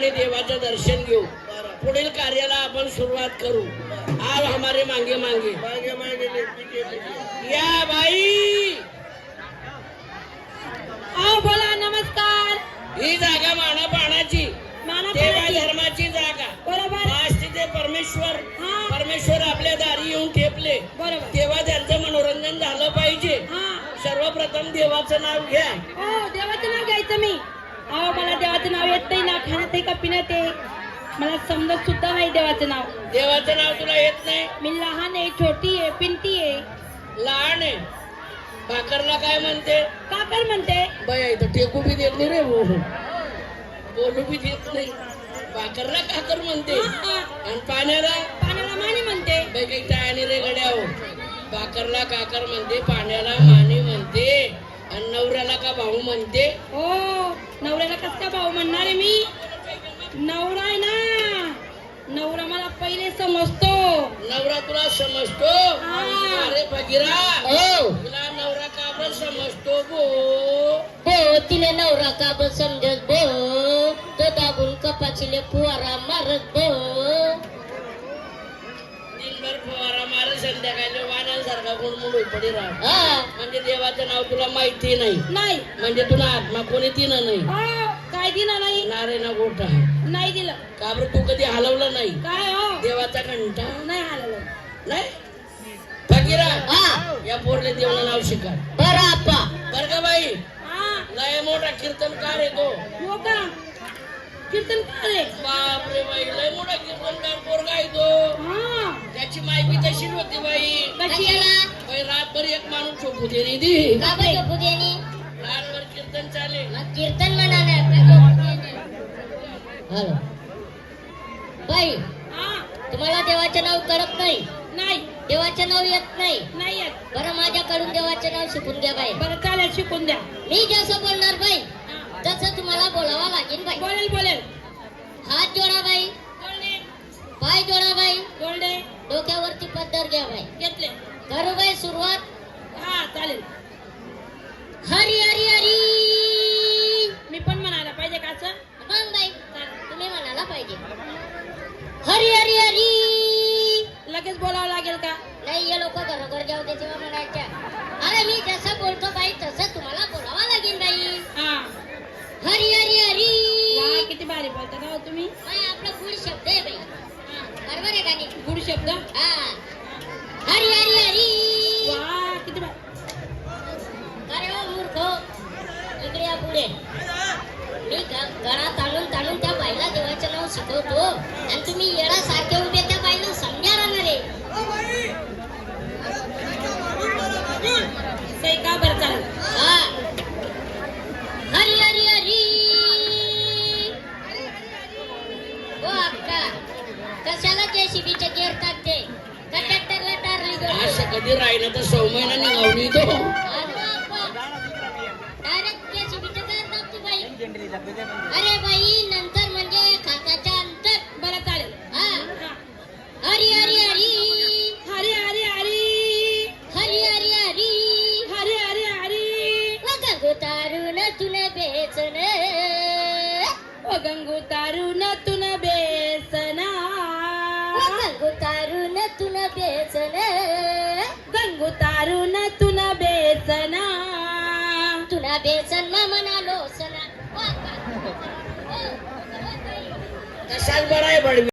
देवाचं दर्शन घेऊ, पुढील कार्याला आपण सुरुवात करू. आज हमारे मांगे मांगे मागे मागे लेके या बाई. आओ बोला नमस्कार. ही जागा माना पाण्याची, देवा धर्माची जागा. बरोबर. आज तिथे परमेश्वर हा. परमेश्वर आपल्या दारी येऊन ठेपले. बरोबर. तेव्हा त्यांचं मनोरंजन झालं पाहिजे. हा. सर्वप्रथम देवाचं नाव घ्या. हो देवाचं नाव घ्यायचं मी. अहो मला देवाचं नाव येत नाही ना, खाण्यात आहे का पिण्यात आहे मला समजत सुद्धा नाही देवाचं नाव. देवाचं नाव तुला येत नाही? मी लहान आहे, छोटी आहे, पिंटी आहे. लहान आहे. भाकरला काय म्हणते? काकर म्हणते. बाई इथं टेकू बी देत नाही रे, बोलू बी देत नाही. भाकरला काकर म्हणते. हा. आणि पाण्याला पाण्याला माणी म्हणते. बाई काही टाळणी रे गड्या हो. भाकरला काकर म्हणते, पाण्याला मानी म्हणते, आणि नवऱ्याला का भाऊ म्हणते. हो नवऱ्याला कस काय भाऊ म्हणणार आहे मी? नवरा आहे ना, नवरा मला पहिले समजतो. नवरा तुला समजतो? हा. अरे फकीरा, हो तुला नवरा का बरं समजतो गो? हो तिने नवरा का ब समजत बो, तो दाबून कपाचीले फुवारा मारत बो. दिनभर फवारा मार, संध्याकाळी वाण्यासारखा गुणमुळ पडी राहा. हा म्हणजे देवाचं नाव तुला माहिती नाही, नाही. म्हणजे तुला आत्मा कोणी दिलं नाही. हो काय दिलं नाही? नारायणा गोठा नाही दिलं. का बरं तू कधी हलवलं नाही काय हो देवाचा घंटा? नाही हलवलं. नाही. फकीरा, हा या पोरले देवाला नाव शिका बरं आप्पा. बर का बाई. हा लय मोठा कीर्तनकार आहे तो. हो का? कीर्तन रे. बापरे बाई, लय मोठा कीर्तनकार पोरगा आहे तो. हा त्याची माहिती तशीच होती बाई. कशाला बाई रातभर एक माणूस झोपू दे नी दी. का बरं झोपू देणे? रातभर कीर्तन चाले. मग कीर्तन म्हणा नाही आपलं झोपू देणे. हॅलो बाई, हा तुम्हाला देवाचे नाव कळत नाही? नाही देवाचे नाव येत नाही? नाही येत. बरं माझ्याकडून देवाचे नाव शिकून घ्या बाई. बरं चालेल शिकून द्या. मी जसं बोलणार बाई हा. तसं तुम्हाला बोलावं लागेल बाई. बोलेल बोलेल. हात जोडा बाई, गोल्डे पाय जोडा बाई, गोल्डे डोक्यावरती पदर घ्या बाई. घेतले. करू बाई सुरुवात. हा चालेल. हरी हरी हरी. मी पण म्हणायला पाहिजे का असं? मग बाई तुम्ही म्हणायला पाहिजे हरी हरी हरी. लगेच बोलावं लागेल का? नाही हे लोक घरोघर जाऊ दे तेव्हा म्हणायच्या. अरे मी जसं बोलतो बाई तसं तुम्हाला बोलावं लागेल बाई. हा. हरी हरी हरी. वा किती भारी बोलता का हो तुम्ही. बाई आपला गुड शब्द आहे बाई. हा. बरोबर आहे का नाही? गुड शब्द. हा. हरी हरी हरी. वा किती भारी. अरे हो मूर्ख, इकडे या पुढे. मी गळा ताणून ताणून त्या बाईला देवाचं नाव शिकवतो आणि तुम्ही येण्यासारखे उभे त्या बाईला समजा राहणार आहे. सही का बरं चालेल. हा. हरी हरी हरी. ओ अक्का, कशाला जेसीबीचे गेअर टाकते? कंडक्टरला टारली दोन. असं कधी राहिलं तर 6 महिना निघावली तो. डायरेक्ट जेसीबीचे गेअर टाकते बाई. अरे बाई नंतर म्हणजे खाताच्या अंतर. बरं चालेल. हा. हा. हरी हरी हरी. हरी हरी हरी. हरी हरी हरी. हरी हरी हरी. गंगू तारून तुन बेसन. ओ गंगू तारून तुन बेसना. गंगू तारून तुन बेसन. गंगू तारून तुन बेसना. तुला बेसन म्हणालो सना. कशाला बरं आहे बडवी.